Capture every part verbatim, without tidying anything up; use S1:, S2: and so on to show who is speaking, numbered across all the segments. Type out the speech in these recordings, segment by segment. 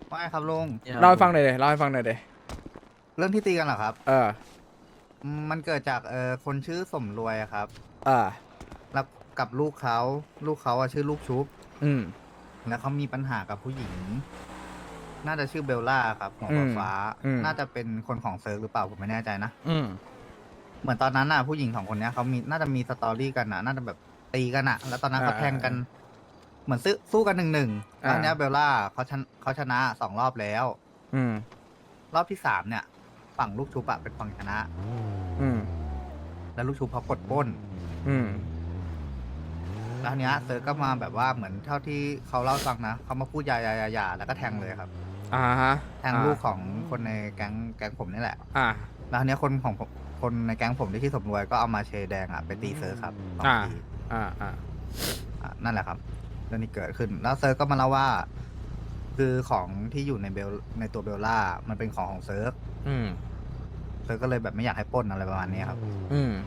S1: ไม่ครับลุง
S2: เล่าให้ฟังหน่อยเลยเล่าให้ฟังหน่อยเลย
S1: เรื่องที่ตีกันเหรอครับ
S2: เออ
S1: อืมมันเกิดจากเออคนชื่อสมรวยอะครับ
S2: อ่า
S1: แล้วกับลูกเขาลูกเขาอะชื่อลูกชุบ
S2: อืม
S1: แล้วเขามีปัญหากับผู้หญิงน่าจะชื่อเบลล่าครับหัว
S2: อืม
S1: ฟ้า
S2: อืม
S1: ๆน่าจะเป็นคนของเซิร์ฟหรือเปล่าผมไม่แน่ใจนะ
S2: อืม
S1: เหมือนตอนนั้นน่ะผู้หญิงสองคนเนี้ยเขามีน่าจะมีสตอรี่กันน่ะน่าจะแบบตีกันน่ะแล้วตอนนั้น
S2: อ่า
S1: เขาแท
S2: อ่า
S1: งกันเหมือนซื้อสู้กันหนึ่งหนึ่งแล้ว
S2: อ่า
S1: อันเนี้ยเบลล่าเขาชนะเขาชนะสองรอบแล้ว
S2: อืม
S1: รอบที่สามเนี่ยฝั่งลูกชุบอะเป็นฝั่งชนะ
S2: อืม
S1: แล้วลูกชุบเขากดปล้น
S2: อืม
S1: แล้วทีเนี้ยเซิร์ชก็มาแบบว่าเหมือนเท่าที่เขาเล่าให้ฟังนะเขามาพูดยายายายาแล้วก็แทงเลยครับ
S2: อ่าฮะ
S1: แทง
S2: อ่า
S1: ลูกของคนในแก๊งแก๊งผมนี่แหละ
S2: อ่า
S1: แล้วทีเนี้ยคนของผมคนในแก๊งผมที่ชื่อสมรวยก็เอามาเชยแดงอ่ะไปตีเซิร์ชครับสอง
S2: อ่า
S1: ที
S2: อ่าอ่า
S1: อ่ะนั่นแหละครับเรื่องนี้เกิดขึ้นแล้วเซิร์ชก็มาเล่าว่า คือของที่อยู่ในเบลในตัวเบลล่ามันเป็นของของเซิร์ช
S2: อืม
S1: เซิร์ชก็เลยแบบไม่อยากให้ปล้นอะไรประมาณนี้ครับ
S2: อืม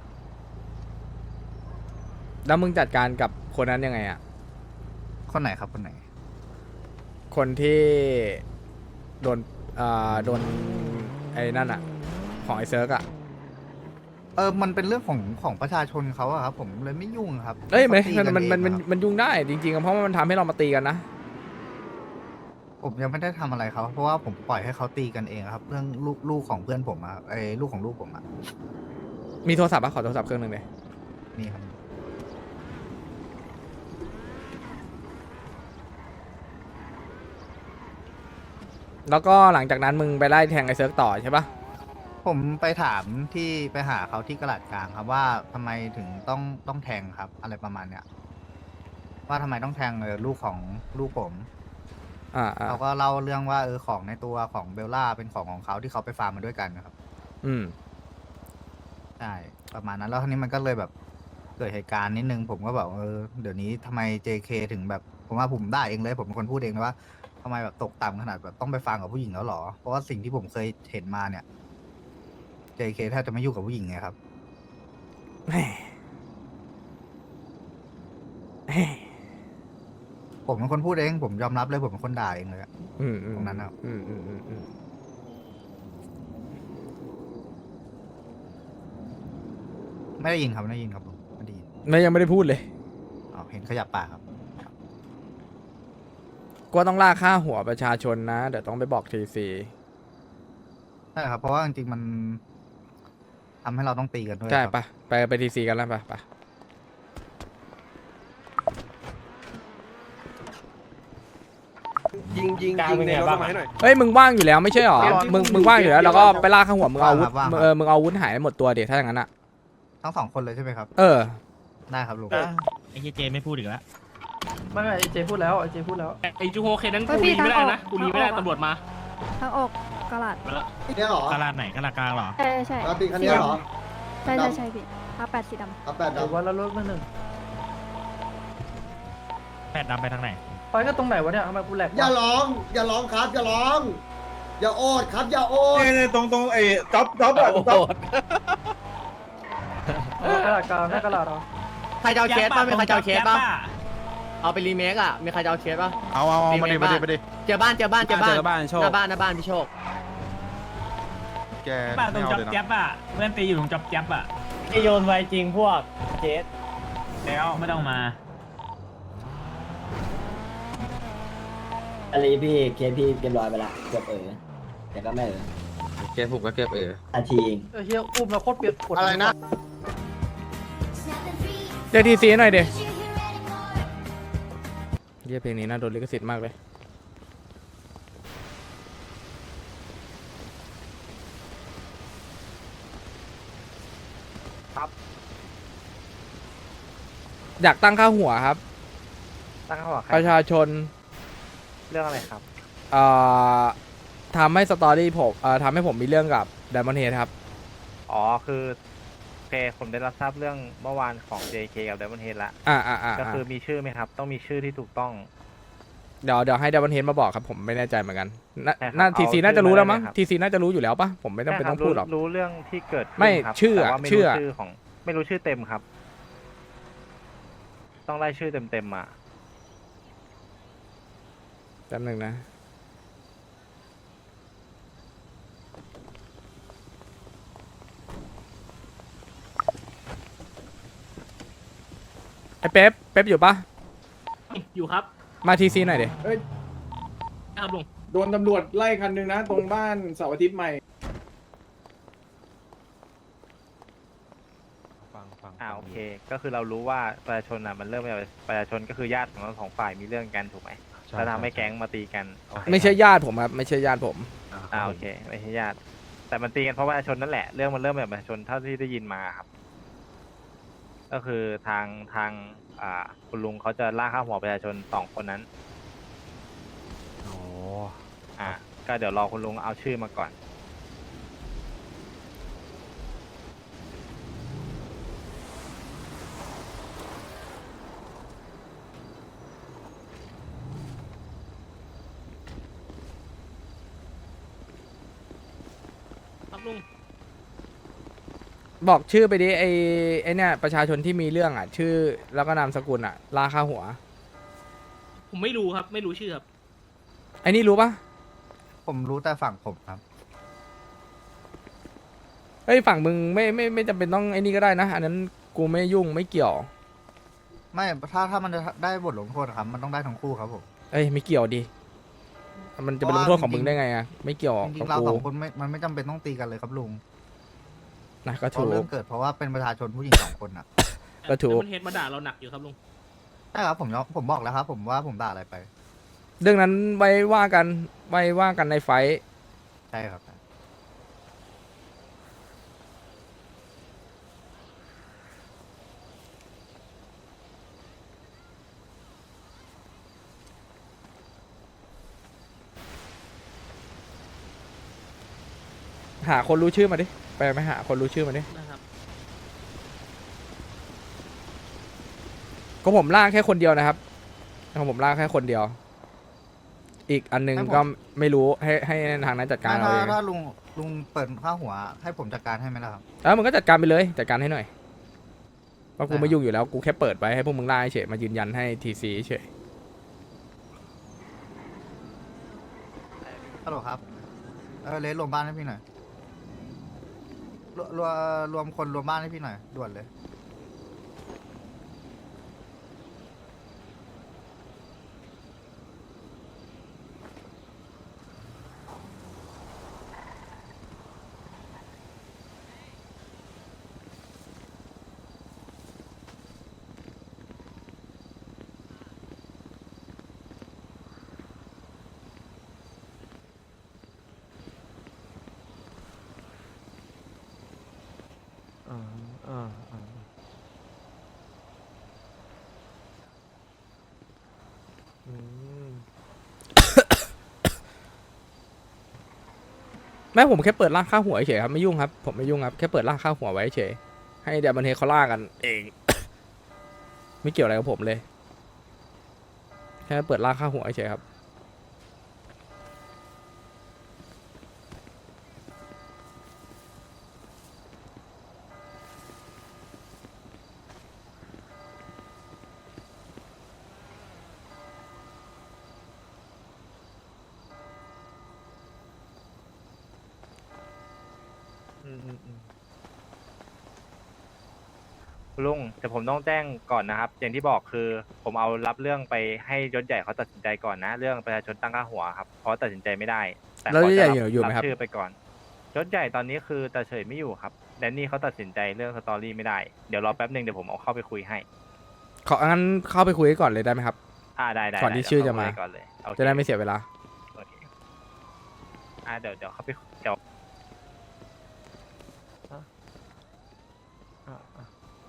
S2: แล้วมึงจัดการกับคนนั้นยังไงอ่ะ
S1: คนไหนครับคนไหน
S2: คนที่โดนอ่าโดนไอ้นั่นอ่ะของไอ้เซิร์กอ่ะ
S1: เออมันเป็นเรื่องของของประชาชนเขาอะครับผมเลยไม่ยุ่งครับ
S2: เอ้ยไม่
S1: ให้เขาตีกั
S2: มันมันมันมัน
S1: เองอะครับ
S2: มันยุ่งได้จริงๆอะเพราะว่ามันทำให้เรามาตีกันนะ
S1: ผมยังไม่ได้ทำอะไรเขาเพราะว่าผมปล่อยให้เขาตีกันเองครับเรื่องลูกลูกของเพื่อนผมอะไอ้ลูกของลูกผมอะ
S2: มีโทรศัพท์ปะขอโทรศัพท์เครื่องหนึ่งเลย
S1: นี่ครับ
S2: แล้วก็หลังจากนั้นมึงไปไล่แทงไอ้เซิร์กต่อใช่ปะ
S1: ผมไปถามที่ไปหาเขาที่กระดาษกลางครับว่าทำไมถึงต้องต้องแทงครับ อะไรประมาณเนี้ยว่าทำไมต้องแทงเออลูกของลูกผม
S2: อ่าอ่า
S1: เขาก็เล่าเรื่องว่าเออของในตัวของเบลล่าเป็นของของเขาที่เขาไปฟาร์มมาด้วยกันนะครับ
S2: อืม
S1: ใช่ประมาณนั้นแล้วทีนี้มันก็เลยแบบเกิดเหตุการณ์นิดนึงผมก็แบบเออเดี๋ยวนี้ทำไม เจ เค ถึงแบบผมว่าผมได้เองเลยผมเป็นคนพูดเองเลยว่าทำไมแบบตกต่ำขนาดแบบต้องไปฟังกับผู้หญิงแล้วหรอเพราะว่าสิ่งที่ผมเคยเห็นมาเนี่ย เจ เค แทบจะไม่ยุ่งกับผู้หญิงไงครับ
S2: แหม่แหม่
S1: ผมเป็นคนพูดเองผมยอมรับเลยผมเป็นคนด่าเองเลยอะ
S2: อืมอืม
S1: ตรงนั้นนะครับ
S2: อืมอืมอืมอืม
S1: ไม่ได้ยินครับไม่ได้ยินครับผมไม่ได้ยิน
S2: ไม่ยังไม่ได้พูดเลย
S1: อ๋อเห็นขยับปากครับ
S2: ก็ต้องล่าค่าหัวประชาชนนะ เดี๋ยวต้องไปบอกทีซี
S1: ใช่ครับเพราะว่าจริงๆมันทำให้เราต้องตีกันด้วย
S2: ใช่
S1: ครับ
S2: ปะไปไปทีซีกันแล้วปะปะ
S3: ยิงยิงยิงในรถมาให้หน่อย
S2: เฮ้ยมึงว่างอยู่แล้วไม่ใช่หรอ มึงมึงว่างอยู่แล้วแล้วก็ไปล่าค่าหัวมึงเอาอาวุธ
S1: ว่างครับ
S2: เออมึงเอาอาวุธหายหมดตัวเดี๋ยวถ้าอย่างนั้นอะ
S1: ทั้งสองคนเลยใช่ไหมครับ
S2: เออ
S1: ได้ครับลุง
S4: ไอ้เจเจไม่พูดอีกแล้ว
S5: ไม่ไม่ไอเจพูดแล้วไอเจพูดแล้ว
S4: ไอ้จูโฮเคนั้น
S6: เฮ้
S4: กู
S6: ยพี่
S4: รีไม่ได้
S6: ทางออก
S4: นะกูรีไม่ได้
S6: ทางออก
S4: ตำรวจมา
S6: ทางออกกระลาด
S4: ไปแล้ว
S3: เนี่ยเหรอก
S4: าลาดไหนกาลาดกลางเหรอ
S6: ใช่ใช่
S3: รับปีคันนี้เหรอ
S6: ใช่ใช่ใช่พี่อาแปดสีด
S3: เอาแปด
S5: เดี๋ยว
S3: ดำ
S5: วันละรถมาหนึ่ง
S4: แพทย์ดำไปทางไหน
S5: ไปก็ตรงไหนวะเนี่ยทำไมกูแหลกวะ
S3: อย่าร้อง อย่าร้องครับ อย่าร้อง อย่าโอดครับ อย่าโอด
S7: เนี่ยตรงตรงไอ้จ๊อบจ๊อบอะจ๊อบ
S5: เออกระดาษกลางหน้ากระดาษเหรอ
S8: ใครจะเอาเคสป่ะมีใครจะเอาเคสป่ะเอาไปรีเมคอ่ะมีใครจะเอาเคสป่ะ
S7: เอาเอาเอามาดิมาดิมาดิ
S8: เจอบ้านเจอบ้านเจอบ้าน
S7: เจอบ้านโชค
S8: หน้าบ้านหน้าบ้านพี่โชค
S7: แก
S4: บ้านตร
S7: ไม่
S4: ง
S7: เอา
S4: จับ
S7: เลยนะ
S4: แจ๊บอ่ะเพื่อนตีอยู่ตรงจับแจ๊บอ่ะ
S8: ไอโยนไวจริงพวกเจส
S4: แล้วไม่ต้องมา
S9: อะไรพี่เคสพี่เรียบร้อยไปละเกือบเออแต่ก็ไม่เออ
S7: แกผูกก็เก็บเออ
S9: นาทีเอง
S5: เออเฮียอุ้มแล้วโคตรเปียกปวด
S3: อะไรนะ
S2: เรียกทีซีหน่อยเดี๋ยวเรียกเพลงนี้น่าโดนลิขสิทธิ์มากเลย
S5: ครับ
S2: อยากตั้งค่าหัวครับ
S5: ตั้งเขาบอกใคร
S2: ประชาชน
S5: เรื่องอะไรครับ
S2: เอ่อทำให้สตอรี่ผมเอ่อทำให้ผมมีเรื่องกับไดมอนเฮดครับ
S10: อ๋อ คือโอเคผมได้รับทราบเรื่องเมื่อวานของ เจ เค กับ Diamond Head ละ
S2: อ่าอ่าอ่า
S10: ก็คือมีชื่อไหมครับ ต้องมีชื่อที่ถูกต้อง
S2: เดี๋ยวเดี๋ยวให้ไดมอนเฮดมาบอกครับผมไม่แน่ใจเหมือนกันน่า
S10: ใช่ครับ
S2: น่า
S10: เอา
S2: ทีซี
S10: ชื่อ
S2: น่าจะรู้แล้วมั้ง
S10: มาได้เลยครับ
S2: ทีซีน่าจะรู้อยู่แล้วปะผมไม่ต้องเป็น
S10: ใช่ค
S2: ต้
S10: รั
S2: อบ งพูดหรอก
S10: รู้เรื่องที่เกิดขึ้น
S2: ไม่
S10: ครับ
S2: ชื่อ
S10: แต่
S2: อะ
S10: ว่าไม่
S2: ชื่
S10: รู้
S2: ออะ
S10: ชื่อของ ไม่รู้ชื่อเต็มครับ ต้องไล่ชื่อเต็มๆมา
S2: แป๊บหนึงนะเป๊ปเป๊ปอยู่ปะ
S8: อยู่ครับ
S2: มาทีซีหน่อยดิ
S8: ครับลุง
S11: โดนตำรวจไล่คันหนึ่งนะ ตรงบ้านเสาร์อาทิตย์ใหม่
S10: ฟังฟังอ่าโอเค ก็คือเรารู้ว่าประชาชนอ่ะมันเริ่มจากประชาชนก็คือญาติของทั้งสองฝ่ายมีเรื่องกันถูกไหมแล้วทำให้แก๊งมาตีกันโอเค
S2: ไม่ใช่ญาติผมครับไม่ใช่ญาติผม
S10: อ่าโอเคไม่ใช่ญาติแต่มันตีกันเพราะประชาชนนั่นแหละเรื่องมันเริ่มจากประชาชนเท่าที่ได้ยินมาครับ ก็คือทางทางอ่าคุณลุงเขาจะล่ากข้าหัวประชาชนสองคนนั้นโอ้อ่าก็เดี๋ยวรอคุณลุงเอาชื่อมาก่อน
S8: ครับลุง
S2: บอกชื่อไปดิไอไอเนี่ยประชาชนที่มีเรื่องอ่ะ ชื่อแล้วก็นามสกุลอ่ะลาค่าหัว
S8: ผมไม่รู้ครับ ไม่รู้ชื่อครับ
S2: ไอนี่รู้ปะ
S1: ผมรู้แต่ฝั่งผมครับ
S2: เฮ้ยฝั่งมึงไม่ไม่ไม่จำเป็นต้องไอนี่ก็ได้นะ อันนั้นกูไม่ยุ่งไม่เกี่ยว
S1: ไม่ถ้าถ้ามันจะได้บทลงโทษครับ มันต้องได้ทั้งคู่ครับผม
S2: เอ้ยไม่เกี่ยวดิมันจะเป็นลงโทษของมึงได้ไงอ่ะไม่เกี่ยว
S1: จริ
S2: กับ
S1: งๆเรา
S2: กู
S1: สองคนไม่มันไม่จำเป็นต้องตีกันเลยครับลุง
S2: นะก็
S1: เพ
S2: ถู
S1: ราะ
S2: ก
S1: เรื่องเกิดเพราะว่าเป็นประชาชนผู้หญิงสองคนอ่ะ
S2: ก็ถูก
S8: มันเฮดมาด่าเราหนักอยู่ครับลุง
S1: ใช่ครับผมยอมผมบอกแล้วครับ ผมว่าผมด่าอะไรไป
S2: เรื่องนั้นไว้ว่ากันไว้ว่ากันในไฟท์
S1: ใช่ครับ
S2: หาคนรู้ชื่อมาดิไปไหมหาคนรู้ชื่อมาดิ
S8: นะครับ
S2: ก็ผมล่ากแค่คนเดียวนะครับของผมล่ากแค่คนเดียว อีกอันหนึงก็ไม่รู้ให้ให้ทางนั้นจัดการ
S1: ถ้า
S2: เอา
S1: ถ้า
S2: เอง
S1: ถ้าลุงลุงเปิดข้าหัว ให้ผมจัดการให้ไหมล่ะครับ
S2: แล้วมึงก็จัดการไปเลยจัดการให้หน่อยเพราะกู
S1: ได้ครับ
S2: ไม่ยุ่งอยู่แล้วกูแค่เปิดไว้ให้พวกมึงล่าเฉยมายืนยันให้ทีซีเฉย
S1: ฮัลโหลครับ เออเลสรวมบ้านให้พี่หน่อยรวรวมรวมคนรวมบ้านให้พี่หน่อยด่วนเลย
S10: อ่าอ่าอ่า อืม
S2: แม่ผมแค่เปิดล่ากค่าหัวเฉยครับไม่ยุ่งครับผมไม่ยุ่งครับแค่เปิดล่ากค่าหัวไว้เฉยให้เดี๋ยวมันเทเขาล่ากันเอง ไม่เกี่ยวอะไรกับผมเลยแค่เปิดล่ากค่าหัวเฉยครับ
S10: อืมอืมอืมลุงแต่ผมต้องแจ้งก่อนนะครับ อย่างที่บอกคือ ผมเอารับเรื่องไปให้ยศใหญ่เขาตัดสินใจก่อนนะ เรื่องประชาชนตั้งค่าหัวครับเพราะตัดสินใจไม่ได้ แต่
S2: แล้ว
S10: ขอย
S2: ศใหญ่
S10: จะ
S2: อยู่อยู่ไหม
S10: รับ
S2: ครับ
S10: ชื่อไปก่อนยศใหญ่ตอนนี้คือตาเฉยไม่อยู่ครับแดนนี่เขาตัดสินใจเรื่องสตอรี่ไม่ได้เดี๋ยวรอแป๊บหนึ่งเดี๋ยวผมเอาเข้าไปคุยให้
S2: ของั้นเข้าไปคุยกันก่อนเลยได้ไหมครับ
S10: อ่าได้ได้
S2: ก่อนที่
S10: ได้
S2: ชื่อ
S10: เดี๋
S2: จะ
S10: ยว
S2: มา
S10: เข้คุยก่อนเลยโอเค
S2: จะได้ไม่เสียเวลา
S10: โอเคอ่าเดี๋ยวเดี๋ยวเขาไปเดี๋ยวอ่ะอ่ะอ่ะ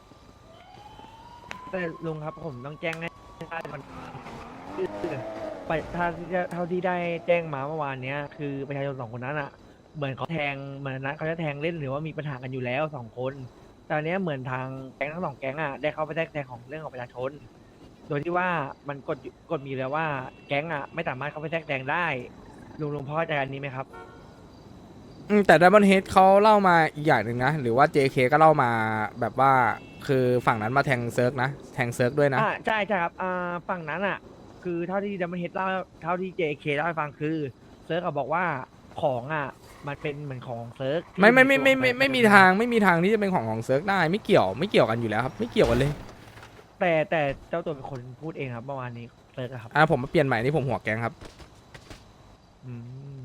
S5: แต่ลุงครับผมต้องแจ้งให้ได้มันไปถ้าเท่าที่ได้แจ้งมาเมื่อวานเนี้ยคือประชาชนสองคนนั้นอ่ะ เหมือนเขาแทงเหมือนนัดเขาจะแทงเล่นหรือว่ามีปัญหากันอยู่แล้วสองคนตอนเนี้ยเหมือนทางแก๊งทั้งสองแก๊งอ่ะได้เข้าไปแทรกแซงของเรื่องของประชาชน โดยที่ว่ามันกฎอยู่กฎมีอยู่แล้วว่าแก๊งอ่ะไม่สามารถเข้าไปแทรกแซงได้ลุงลุงพ่อเข้าใจอันนี้ไหมครับ
S2: อืมแต่ Diamond Head เขาเล่ามาอีกอย่างหนึ่งนะ หรือว่า เจ เค ก็เล่ามาแบบว่าคือฝั่งนั้นมาแทงเซิร์กนะ แทงเซิร์กด้วยนะ
S5: อ่าใช่ใช่ครับอ่าฝั่งนั้นอ่ะ คือเท่าที่ดัมเบิลเฮดเล่าเท่าที่ เจ เค เล่าให้ฟังคือเซิร์กอะบอกว่าของอ่ะมันเป็นเหมือนของเซิร์กที่
S2: ไม่ไม่ไม่ไม่
S5: ตัว
S2: ไม่
S5: ป
S2: ไม่มีทางไม่มีทางที่จะเป็นของของเซิร์กได้ไม่เกี่ยวไม่เกี่ยวกันอยู่แล้วครับ ไม่เกี่ยวกันเลย
S5: แต่แต่เจ้าตัวเป็นคนพูดเองครับเมื่อวานนี้เซิร์ชอะครับ
S2: อ่ะผมมาเปลี่ยนใหม่นี่ผมหัวแก๊งครับ
S5: อืม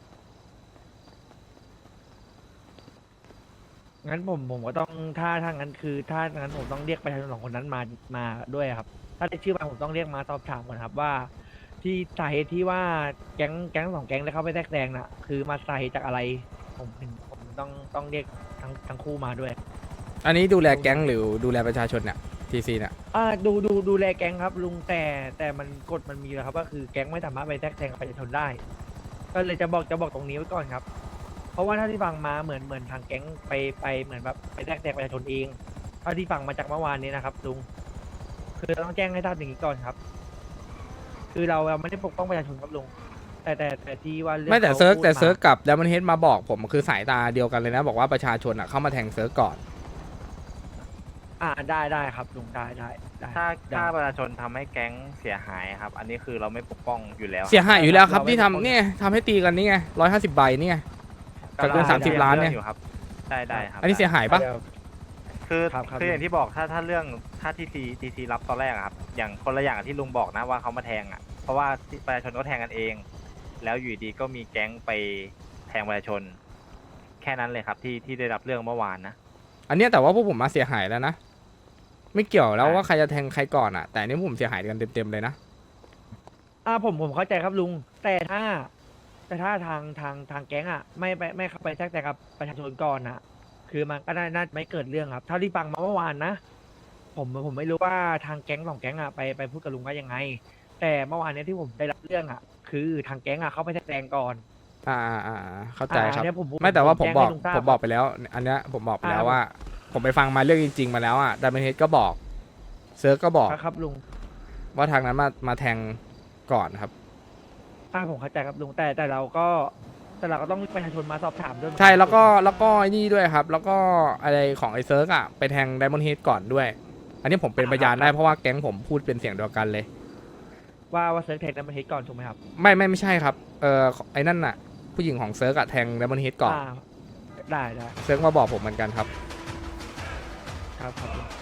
S5: งั้นผมผมก็ต้องถ้าถ้างั้นคือ ถ้างั้นผมต้องเรียกประชาชนสองคนนั้นมามาด้วยครับ ถ้าได้ชื่อมาผมต้องเรียกมาสอบถามก่อนครับว่า ที่สาเหตุที่ว่าแก๊งแก๊งสองแก๊งได้เข้าไปแทรกแซงน่ะ คือมาสาเหตุจากอะไร ผมถึงผมต้องต้องเรียกทั้งทั้งคู่มาด้วย
S2: อันนี้ดูแลแก๊งหรือดูแลประชาชนเนี่ยทีซีเนี่ย
S5: อ่าดูดูดูแลแก๊งครับลุงแต่แต่มันกฎมันมีแล้วครับก็คือแก๊งไม่สามารถไปแทรกแซงกับประชาชนได้ ก็เลยจะบอกจะบอกตรงนี้ไว้ก่อนครับ เพราะว่าถ้าที่ฟังมาเหมือนเหมือนทางแก๊งไปไปเหมือนแบบไปแทรกแซงประชาชนเองเท่าที่ฟังมาจากเมื่อวานนี้นะครับลุงคือเราต้องแจ้งให้ทราบอย่างนี้ก่อนครับ คือเราเราไม่ได้ปกป้องประชาชนครับลุงแต่แต่แต่ที่ว่ารื่อง
S2: ไม่แต่
S5: ขา
S2: เซิร์ก
S5: พูด
S2: แต่
S5: มา
S2: เซิร์กกับดัมเบิลเฮดมาบอกผมคือสายตาเดียวกันเลยนะ บอกว่าประชาชนอ่ะเข้ามาแทงเซิร์กก่อน
S5: อ่าได้ได้ครับลุงได้ได้ได้
S10: ถ้า
S5: ได้
S10: ถ้าประชาชนทำให้แก๊งเสียหายครับ อันนี้คือเราไม่ปกป้องอยู่แล้ว
S2: เสียหายอยู่แล้วครับ
S5: เราไม่
S2: ที่
S5: ปกป้อง
S2: ทำเนี่ยทำให้ตีกันนี่ไงร้อยห้าสิบใบนี่ไง กับเงิน
S10: กำลัง
S2: สามสิบล้านเนี่ย
S10: อยู่ครับได้ได้ครับ
S2: อันนี้เสียหายปะ
S5: เดี๋ว
S10: คือ
S5: ครับครับ
S10: คืออย่างที่บอกถ้าถ้าเรื่องถ้าทีซีทีซีรับตอนแรกอะครับ อย่างคนละอย่างกับที่ลุงบอกนะว่าเขามาแทงอ่ะ เพราะว่าประชาชนก็แทงกันเอง แล้วอยู่ดีก็มีแก๊งไปแทงประชาชน แค่นั้นเลยครับที่ที่ได้รับเรื่องเมื่อวานนะ
S2: อันเนี้ยแต่ว่าพวกผมมาเสียหายแล้วนะ ไม่เกี่ยวแล้ว
S10: ใช่
S2: ว่าใครจะแทงใครก่อนอ่ะ แต่อันนี้ผมเสียหายกันเต็มๆเลยนะ
S5: อ่าผมผมเข้าใจครับลุง แต่ถ้า แต่ถ้าทางทางทางแก๊งอ่ะไม่ไปไม่เข้าไปแทรกแซงกับประชาชนก่อนอ่ะ คือมันก็น่าน่าไม่เกิดเรื่องครับเท่าที่ฟังมาเมื่อวานนะ ผมผมไม่รู้ว่าทางแก๊งสองแก๊งอ่ะไปไปพูดกับลุงว่ายังไง แต่เมื่อวานเนี้ยที่ผมได้รับเรื่องอ่ะ คือทางแก๊งอ่ะเข้าไปแทรกแซงก่อน
S2: อ่าอ่าอ่าเข้าใจครับ
S5: อ่าอันเนี้ยผมผม
S2: ไม่แต่ว่าผม
S5: แจ้ง
S2: บอก
S5: ให้ลุงทราบ
S2: ผมบอกไปแล้ว อันเนี้ยผมบอกไปแล้ว
S5: อ่า
S2: ว่า ผมไปฟังมาเรื่องจริง ๆ มาแล้วอ่ะดัมเบิลเฮดก็บอกเซิร์กก็บอก
S5: ครับลุง
S2: ว่าทางนั้นมามาแทงก่อนครับ
S5: อ่าผมเข้าใจครับลุงแต่แต่เราก็แต่เราก็ต้องประชาชนมาสอบถามด้วยเหมือนน
S2: ใช่แล้วก็แล้วก็ไอ้นี่ด้วยครับ แล้วก็อะไรของไอ้เซิร์กอ่ะไปแทงไดมอนด์เฮดก่อนด้วย อันนี้ผมเป็นพยานได้เพราะว่าแก๊งผมพูดเป็นเสียงเดียวกันเลย
S5: ว่าว่าเซิร์ฟแทงนั้นมาเฮดก่อนถูกไหมครับ
S2: ไม่ไม่ไม่ใช่ครับเออไอ้นั่นน่ะ ผู้หญิงของเซิร์กอะแทงไดมอนด์เฮดก่อน
S5: อ่าได้ได้
S2: เซิร์กมาบอกผมเหมือนกันครับ
S5: ครับครับลุง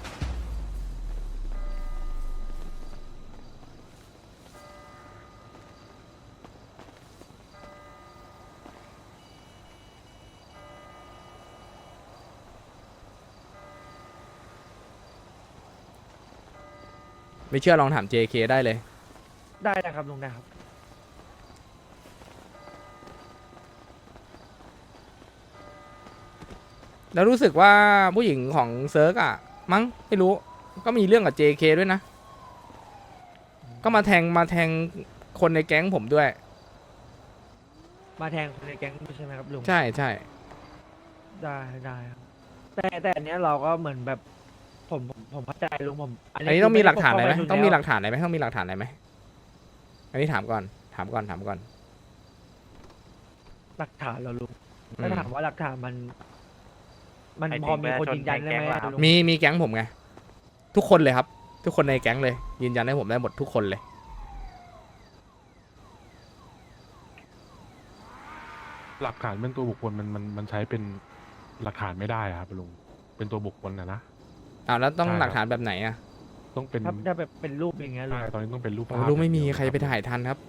S2: ไม่เชื่อลองถาม เจ เค ได้เลย
S5: ได้นะครับลุงได้ครับ
S2: แล้วรู้สึกว่าผู้หญิงของเซิร์กอะมั้งไม่รู้ก็มีเรื่องกับ เจ เค ด้วยนะ ก็มาแทงมาแทงคนในแก๊งผมด้วย
S5: มาแทงคนในแก๊งด้วยใช่ไหมครับลุง
S2: ใช่ใช่
S5: ได้ได้ครับแต่แต่อันเนี้ยเราก็เหมือนแบบผมผมผมเข้าใจลุงผม
S2: อันนี้ต้องมีหลักฐานอะไรไหม
S5: คื
S2: ต้องมีหลั
S5: ก
S2: กฐานอะไรไหมต้องมีหลักฐานอะไรไหมอันนี้ถามก่อนถามก่อนถามก่อน
S5: หลักฐานเราลุง
S2: อืม
S5: ถ้าถามว่าหลักฐานมัน มัน
S10: ไอ้
S5: พอมีคน
S10: จริ
S5: ยื
S10: ง
S5: นยัน
S10: ๆ
S5: ได้ไหม
S10: แก๊งเรา
S5: ลุง
S2: มีมีแก๊งผมไงทุกคนเลยครับ ทุกคนในแก๊งเลย ยืนยันให้ผมได้หมดทุกคนเลย
S12: หลักฐานเป็นตัวบุคคลมันมันมันใช้เป็นหลักฐานไม่ได้อะครับลุงเป็นตัวบุคคลนะนะ
S2: อ้าวแล้วต้อง
S12: ใช่ครับ
S2: หลักฐานแบบไหนอ่ะ
S12: ต้องเป็น
S5: ถ้าถ้าแบบเป็นรูปอย่างเงี้ยลุง
S12: ใช่ตอนนี้ต้องเป็นรูป
S2: โอ้
S12: ภาพ
S2: ลูกไม่มี
S12: อย่างเดียว
S2: ใครไปถ่ายทันครับ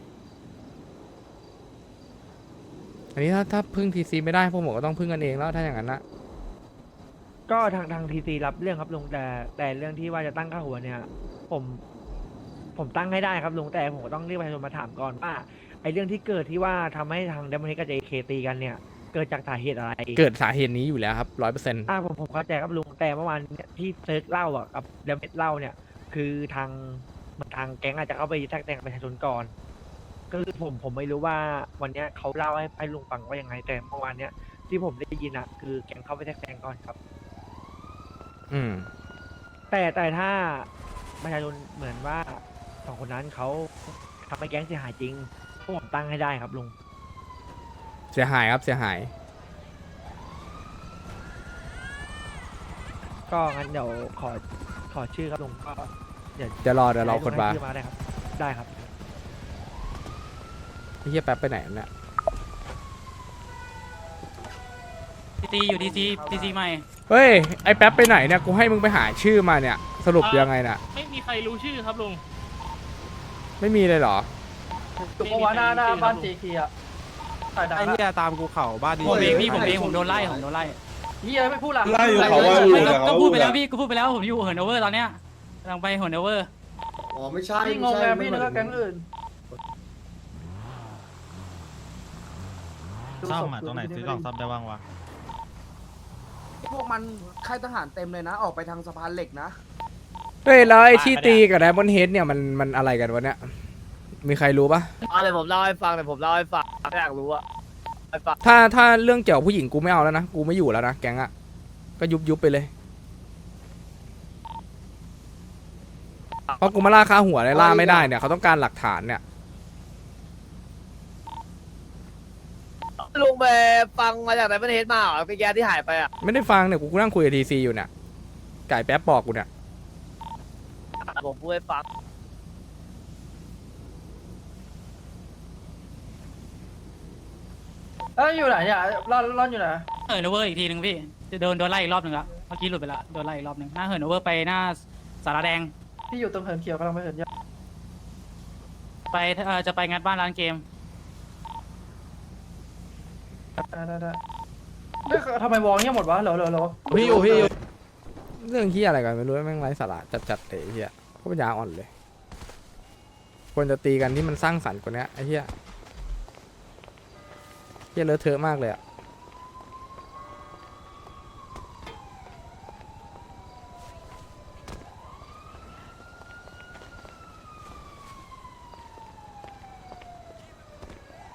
S2: อันนี้ถ้าถ้าพึ่งทีซีไม่ได้พวกผมก็ต้องพึ่งกันเองแล้วถ้าอย่างนั้นนะ
S5: ก็ทางทางทีซีรับเรื่องครับลุงแต่แต่เรื่องที่ว่าจะตั้งค่าหัวเนี่ย ผม ผมตั้งให้ได้ครับลุงแต่ผมก็ต้องเรียกประชาชนมาถามก่อนว่าไอ้เรื่องที่เกิดที่ว่าทำให้ทางเดมอนเฮดกับเจเคตีกันเนี่ย เกิดจากสาเหตุอะไร
S2: เกิดสาเหตุนี้อยู่แล้วครับร้อยเปอร์เซ็นต์
S5: อ่าผมผมเข้าใจครับลุงแต่เมื่อวานเนี่ยที่เซิร์ชเล่าอ่ะกับเดมเมดเล่าเนี่ย คือทางมันทางแก๊งอาจจะเข้าไปแทรกแซงประชาชนก่อน ก็คือผมผมไม่รู้ว่าวันเนี้ยเขาเล่าให้ให้ลุงฟังว่ายังไงแต่เมื่อวานเนี้ยที่ผมได้ยินอ่ะคือแก๊งเข้าไปแทรกแซงก่อนครับ
S2: อืม
S5: แต่แต่ถ้าประชาชนเหมือนว่าสองคนนั้นเขาทำให้แก๊งเสียหายจริงพวกผมตั้งให้ได้ครับลุง
S2: เสียหายครับเสียหาย
S5: ก็งั้นเดี๋ยวขอขอชื่อครับลุงก็เดี๋ยว
S2: จะรอเดี๋ยวรอคนมา
S5: ให้ลุงให้ชื่อมาได้ครับ ได้ครับ
S2: ไอ้เฮียแป๊บไปไหนเนี่ย
S4: ทีซีอยู่ทีซีทีซีใหม่
S2: เฮ้ยไอ้แป๊บไปไหนเนี่ยกูให้มึงไปหาชื่อมาเนี่ยสรุปยังไงน่ะ
S4: ไม่มีใครรู้ชื่อครับลุง
S2: ไม่มีเลยเหรอ
S5: เพราะว่าหน้าหน้าบ้านเจคีอะ
S11: ไอ้เหี้ยตามกูเข่าบ้านดี
S3: ผมเองพี่
S4: ผมเองผมโดนไล่ผมโดนไล่
S5: เฮียไม่พูดละ
S11: ไล่อยู่เขาว่าอยู่แต่
S4: ก็
S11: เขา
S4: พูดไปแล้วพี่ก็พูดไปแล้วผมอยู่เหินโอเวอร์ตอนเนี้ยกำลังไปเหินโอเวอร์
S3: อ๋อไม่ใช่
S5: พี่งงไงพี่นึกว่าแก๊งอื่น
S4: ซ่อมอ่ะตรงไหนซื้อกล่องซ่อมได้บ้างวะ
S11: พวกมันค่ายทหารเต็มเลยนะ ออกไปทางสะพานเหล็กนะ
S2: เฮ้ยแล้วไอ้ที่ตีกับไดมอนด์เฮดเนี่ยมันมันอะไรกันวะเนี่ยมีใครรู้ปะ
S8: เอาเลยผมเล่าให้ฟังเลยผมเล่าให้ฟังอยากรู้อะให้ฟัง
S2: ถ้าถ้าเรื่องเกี่ยวกับผู้หญิงกูไม่เอาแล้วนะกูไม่อยู่แล้วนะแก๊งอะก็ยุบยุบไปเลยเพราะกูมาล่าค่าหัวเลยล่าไม่ได้เนี่ยเขาต้องการหลักฐานเนี่ย
S8: ลุงไปฟังมาจากไหนประเทศมาเหรอพี่แกที่หายไปอะ
S2: ไม่ได้ฟังเนี่ยกูกูนั่งคุยกับทีซีอยู่เนี่ยไก่แป๊บบอกกูเนี่ย
S8: ผมพูดให้ฟัง
S5: เอ้ยอยู่ไหนเนี่ยร่อนร่อนอยู่ไหน
S4: เหินโอเวอร์อีกทีหนึ่งพี่จะโดนโดนไล่อีกรอบหนึ่งละเมื่อกี้หลุดไปละโดนไล่อีกรอบหนึ่งหน้าเหินโอเวอร์ไปหน้าสาราแดง
S5: พี่อยู่ตรงเหินเขียวกำลังไปเหินยา
S4: ไปเอ่อจะไปงัดบ้านร้านเกม
S5: ได้ได้ได้เฮ้ยทำไมวองเงี้ยหมดวะเหรอเหรอเหรอ
S2: พี่อยู่พี่อยู่เรื่องที่อะไรกันไม่รู้แม่งไร้สาระจัดๆเลยไอ้เฮียก็ปัญญาอ่อนเลยควรจะตีกันที่มันสร้างสรรค์กว่านี้ไอ้เฮียเฮียเลอะเทอะมากเลยอะ